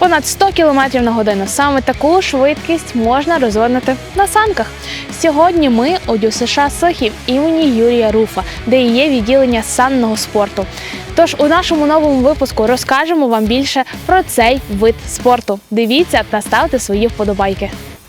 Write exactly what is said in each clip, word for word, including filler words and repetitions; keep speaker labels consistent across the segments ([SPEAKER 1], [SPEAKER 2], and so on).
[SPEAKER 1] понад сто кілометрів на годину. Саме таку швидкість можна розвинути на санках. Сьогодні ми у ДЮСШ Сохів імені Юрія Руфа, де і є відділення санного спорту. Тож у нашому новому випуску розкажемо вам більше про цей вид спорту. Дивіться та ставте свої вподобайки.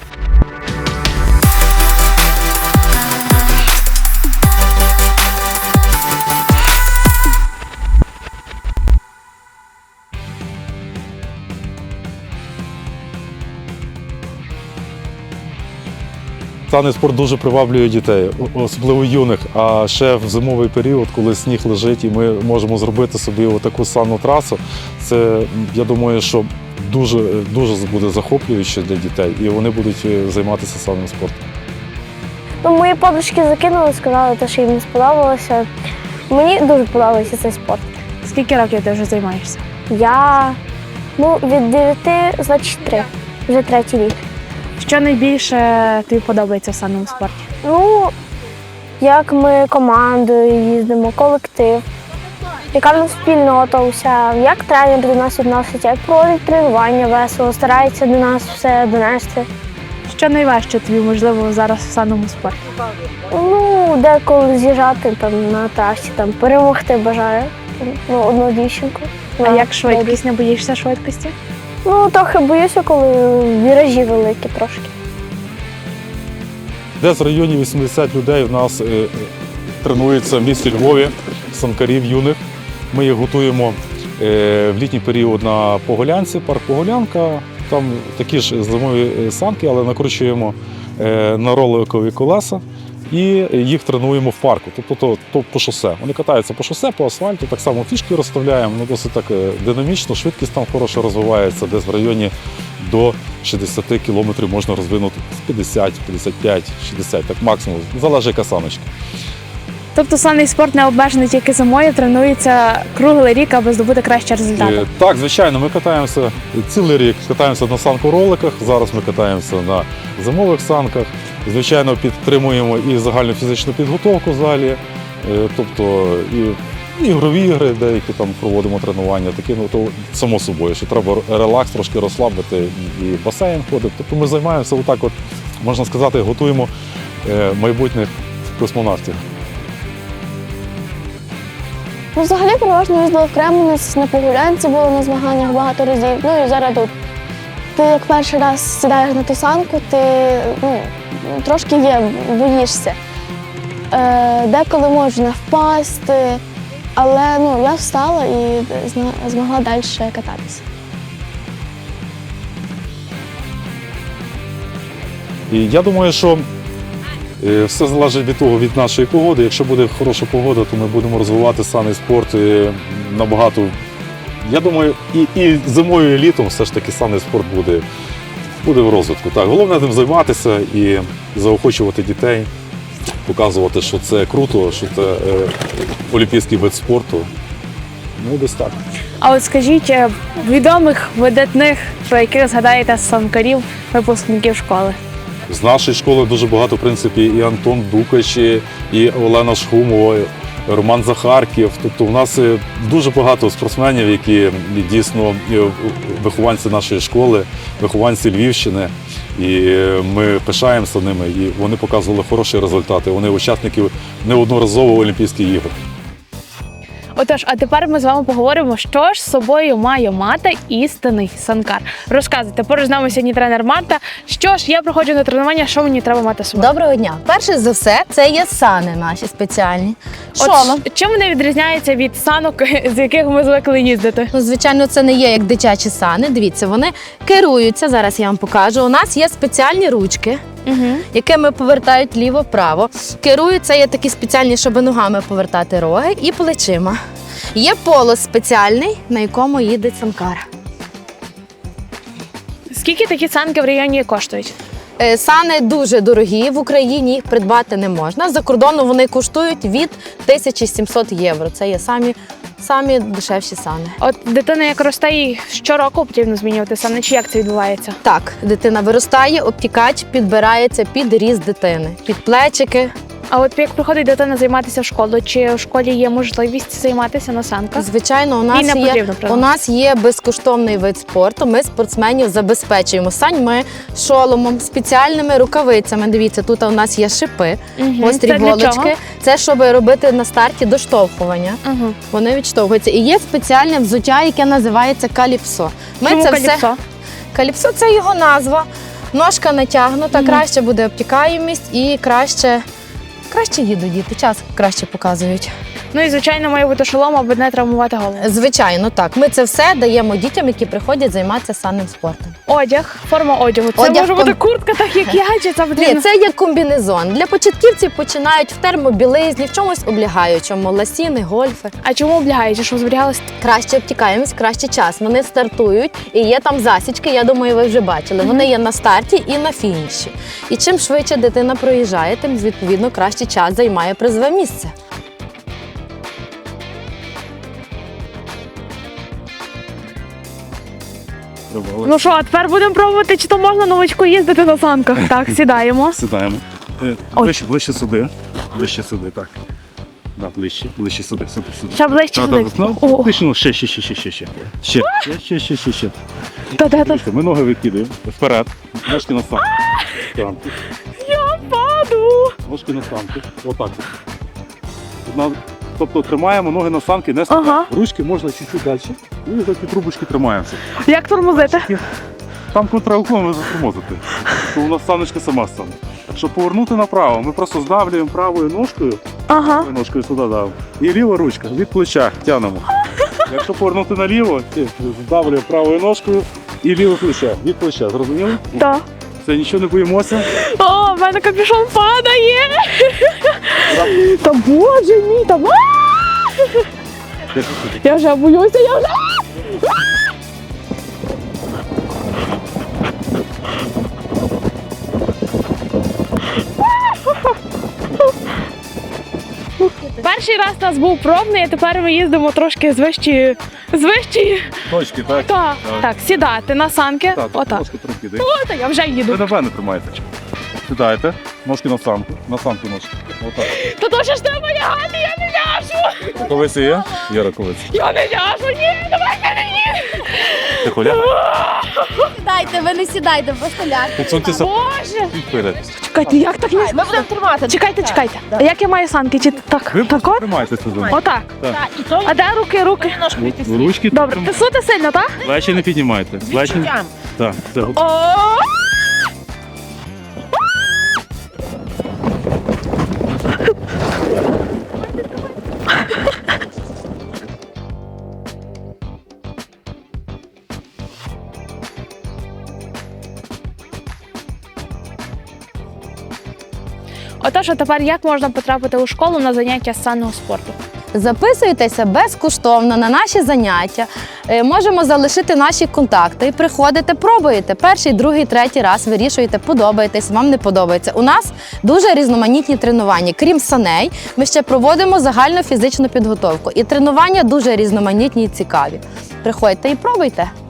[SPEAKER 2] Санний спорт дуже приваблює дітей, особливо юних, а ще в зимовий період, коли сніг лежить і ми можемо зробити собі таку санну трасу, це, я думаю, що дуже, дуже буде захоплююче для дітей і вони будуть займатися санним спортом.
[SPEAKER 3] Ну, мої подружки закинули, сказали, що їм не сподобалося. Мені дуже подобається цей спорт.
[SPEAKER 1] Скільки років ти вже займаєшся?
[SPEAKER 3] Я ну, від дев'яти, значить три, вже третій рік.
[SPEAKER 1] Що найбільше тобі подобається в санному спорті?
[SPEAKER 3] Ну, як ми командою їздимо, колектив, яка в нас спільнота уся, як тренер до нас відноситься, як проводить тренування весело, старається до нас все донести.
[SPEAKER 1] Що найважче тобі, можливо, зараз в санному спорті?
[SPEAKER 3] Ну, деколи з'їжджати там на трасі, там перемогти бажаю ну, одну дівчинку.
[SPEAKER 1] А як швидкість? Не боїшся швидкості?
[SPEAKER 3] Ну, трохи боюся, коли віражі великі трошки.
[SPEAKER 2] Десь в районі вісімдесят людей у нас е, тренується в місті Львові, санкарів юних. Ми їх готуємо е, в літній період на Поголянці, парк Поголянка. Там такі ж зимові санки, але накручуємо е, на роликові колеса і їх тренуємо в парку, тобто то, то по шосе. Вони катаються по шосе, по асфальту, так само фішки розставляємо, ну, досить так динамічно, швидкість там хороше розвивається, десь в районі до шістдесят кілометрів можна розвинути з п'ятдесят, п'ятдесят п'ять, шістдесят, так максимум, залежить яка саночка.
[SPEAKER 1] Тобто санний спорт не обмежений тільки зимою, тренується круглий рік, аби здобути кращі результати?
[SPEAKER 2] Е, Так, звичайно, ми катаємося цілий рік, катаємося на санкороликах, зараз ми катаємося на зимових санках. Звичайно, підтримуємо і загальну фізичну підготовку в залі, е, тобто і ігрові ігри, деякі там проводимо тренування, такі, ну то само собою, що треба релакс, трошки розслабити, і басейн ходить. Тобто ми займаємося отак, от, можна сказати, готуємо е, майбутніх космонавтів.
[SPEAKER 3] Ну, взагалі, переважно їздила в Кременець, на Погулянці була на змаганнях багато разів, ну і зараз тут. Ти як перший раз сідаєш на ту санку, ти ну, трошки є, боїшся. Е, деколи можна впасти, але ну, я встала і змогла далі кататися.
[SPEAKER 2] І я думаю, що е, все залежить від того, від нашої погоди. Якщо буде хороша погода, то ми будемо розвивати санний спорт е, набагато. Я думаю, і, і зимою, і літом все ж таки санний спорт буде, буде в розвитку. Так, головне тим займатися і заохочувати дітей, показувати, що це круто, що це е, олімпійський вид спорту. Ну, десь так.
[SPEAKER 1] А от скажіть, е, відомих, видатних, про яких згадаєте санкарів, випускників школи?
[SPEAKER 2] З нашої школи дуже багато, в принципі, і Антон Дукач, і Олена Шхумова, Роман Захарків. Тобто у нас дуже багато спортсменів, які дійсно вихованці нашої школи, вихованці Львівщини. І ми пишаємося ними, і вони показували хороші результати. Вони учасники неодноразово Олімпійських ігор.
[SPEAKER 1] Отож, а тепер ми з вами поговоримо, що ж з собою має мати істинний санкар. Розказуйте, поруч з нами сьогодні тренер Марта. Що ж, я приходжу на тренування, що мені треба мати з собою?
[SPEAKER 4] Доброго дня. Перше за все, це є сани наші спеціальні. Шолом.
[SPEAKER 1] От, чим вони відрізняються від санок, з яких ми звикли їздити?
[SPEAKER 4] Ну, звичайно, це не є як дитячі сани. Дивіться, вони керуються, зараз я вам покажу. У нас є спеціальні ручки,
[SPEAKER 1] Угу.
[SPEAKER 4] якими повертають ліво-право. Керуються є такі спеціальні, щоб ногами повертати роги і плечима. Є полос спеціальний, на якому їде санкар.
[SPEAKER 1] Скільки такі санки в районі коштують?
[SPEAKER 4] Е, Сани дуже дорогі, в Україні їх придбати не можна. За кордону вони коштують від тисячі сімсот євро. Це є самі, самі дешевші сани.
[SPEAKER 1] От дитина як росте, їй щороку потрібно змінювати сани, чи як це відбувається?
[SPEAKER 4] Так, дитина виростає, обтікач підбирається під ріст дитини, під плечики.
[SPEAKER 1] А от як приходить дитина займатися в школу, чи в школі є можливість займатися на санках?
[SPEAKER 4] Звичайно, у
[SPEAKER 1] І
[SPEAKER 4] нас
[SPEAKER 1] не
[SPEAKER 4] є
[SPEAKER 1] потрібно, правда?
[SPEAKER 4] у нас є безкоштовний вид спорту. Ми спортсменів забезпечуємо саньми, шоломом, спеціальними рукавицями. Дивіться, тут у нас є шипи,
[SPEAKER 1] Мгм.
[SPEAKER 4] гострі
[SPEAKER 1] Це для
[SPEAKER 4] голочки.
[SPEAKER 1] чого?
[SPEAKER 4] Це щоб робити на старті доштовхування.
[SPEAKER 1] Угу.
[SPEAKER 4] Вони відштовхуються. І є спеціальне взуття, яке називається каліпсо. Ми
[SPEAKER 1] Чому
[SPEAKER 4] це
[SPEAKER 1] каліпсо?
[SPEAKER 4] все каліпсо це його назва. Ножка натягнута,
[SPEAKER 1] Мгм.
[SPEAKER 4] краще буде обтікаємість і краще, краще їдуть діти, час краще показують.
[SPEAKER 1] Ну і звичайно має бути шолом, аби не травмувати голову.
[SPEAKER 4] Звичайно, так. Ми це все даємо дітям, які приходять займатися санним спортом.
[SPEAKER 1] Одяг, форма одягу. Це
[SPEAKER 4] Одяг
[SPEAKER 1] може бути
[SPEAKER 4] ком-
[SPEAKER 1] куртка, так як я, чи це
[SPEAKER 4] Ні,
[SPEAKER 1] потрібно?
[SPEAKER 4] це є комбінезон. Для початківців починають в термобілизні, в чомусь облягаючому, ласіни, гольфи.
[SPEAKER 1] А чому облягаючи, щоб зберігалось?
[SPEAKER 4] Краще обтікаємось, краще час. Вони стартують і є там засічки, я думаю, ви вже бачили. Вони є на старті і на фініші. І чим швидше дитина проїжджає, тим відповідно краще час займає призове місце.
[SPEAKER 1] Ну що, а тепер будемо пробувати, чи то можна новачку їздити на санках. Так, сідаємо.
[SPEAKER 2] Сідаємо. Е,
[SPEAKER 1] Ой.
[SPEAKER 2] Ближче, ближче сюди. Ближче сюди, так. Да, ближче, ближче сюди, сюди, сюди.
[SPEAKER 1] Ще ближче
[SPEAKER 2] Так,
[SPEAKER 1] сюди.
[SPEAKER 2] так, ну,
[SPEAKER 1] О.
[SPEAKER 2] ближче, ну, ще, ще, ще, ще, ще, ще. Ще, ще, ще, ще, ще.
[SPEAKER 1] Та де та?
[SPEAKER 2] Дивіться, ми ноги викидаємо вперед, ножки на санки. Санки.
[SPEAKER 1] Я паду.
[SPEAKER 2] Ножки на санки. Отак. Одна- Тобто тримаємо ноги на санки, не стаємо.
[SPEAKER 1] Ага.
[SPEAKER 2] Ручки можна чуть-чуть далі. І за ці трубочки тримаємося.
[SPEAKER 1] Як тормозити?
[SPEAKER 2] Там контролком ви затормозите. То у нас саночка сама стане. Щоб повернути направо, ми просто здавлюємо правою ножкою,
[SPEAKER 1] Ага.
[SPEAKER 2] правою ножкою сюди давимо. І ліва ручка від плеча тягнемо. Якщо повернути наліво, здавлюємо правою ножкою і ліве плече. Від плеча. Зрозуміли?
[SPEAKER 1] Так.
[SPEAKER 2] Все, нічого не боїмося.
[SPEAKER 1] О, в мене капюшон падає. Та боже мій, та я вже боюся, я вже. Перший раз у нас був пробний, а тепер ми їздимо трошки з вищої. З вищої.
[SPEAKER 2] Точки, так?
[SPEAKER 1] Так, так, сідати на санки.
[SPEAKER 2] Так,
[SPEAKER 1] Отак.
[SPEAKER 2] ножки трохи.
[SPEAKER 1] О, та я вже
[SPEAKER 2] Ви
[SPEAKER 1] їду.
[SPEAKER 2] на мене тримаєте. Сідаєте, ножки на санку, на санку ножки. Отак.
[SPEAKER 1] Та то ж треба лягати, я не ляжу.
[SPEAKER 2] Рукавиці є? Є рукавиці.
[SPEAKER 1] Я не ляжу, ні, давай мені.
[SPEAKER 2] Ти холя?
[SPEAKER 4] Сідайте, ви не сідайте, просто ляжте.
[SPEAKER 2] Підсуньтеся
[SPEAKER 1] Боже.
[SPEAKER 2] вперед.
[SPEAKER 1] Чекайте, як так не...
[SPEAKER 4] Ми будемо тримати.
[SPEAKER 1] Чекайте, чекайте. А як я маю санки? Чи так?
[SPEAKER 2] Ви
[SPEAKER 1] Так от?
[SPEAKER 2] тримаєтеся за
[SPEAKER 1] Отак.
[SPEAKER 2] Так.
[SPEAKER 1] А де руки, руки?
[SPEAKER 2] Ручки
[SPEAKER 1] Добре, тисути сильно, так?
[SPEAKER 2] плечі не піднімайте. Плечі. Так, все.
[SPEAKER 1] О! Отож, а тепер як можна потрапити у школу на заняття з санного спорту?
[SPEAKER 4] Записуйтеся безкоштовно на наші заняття. Е, Можемо залишити наші контакти. Приходите, пробуєте. Перший, другий, третій раз вирішуєте, подобаєтесь, вам не подобається. У нас дуже різноманітні тренування. Крім саней, ми ще проводимо загальну фізичну підготовку. І тренування дуже різноманітні і цікаві. Приходьте і пробуйте.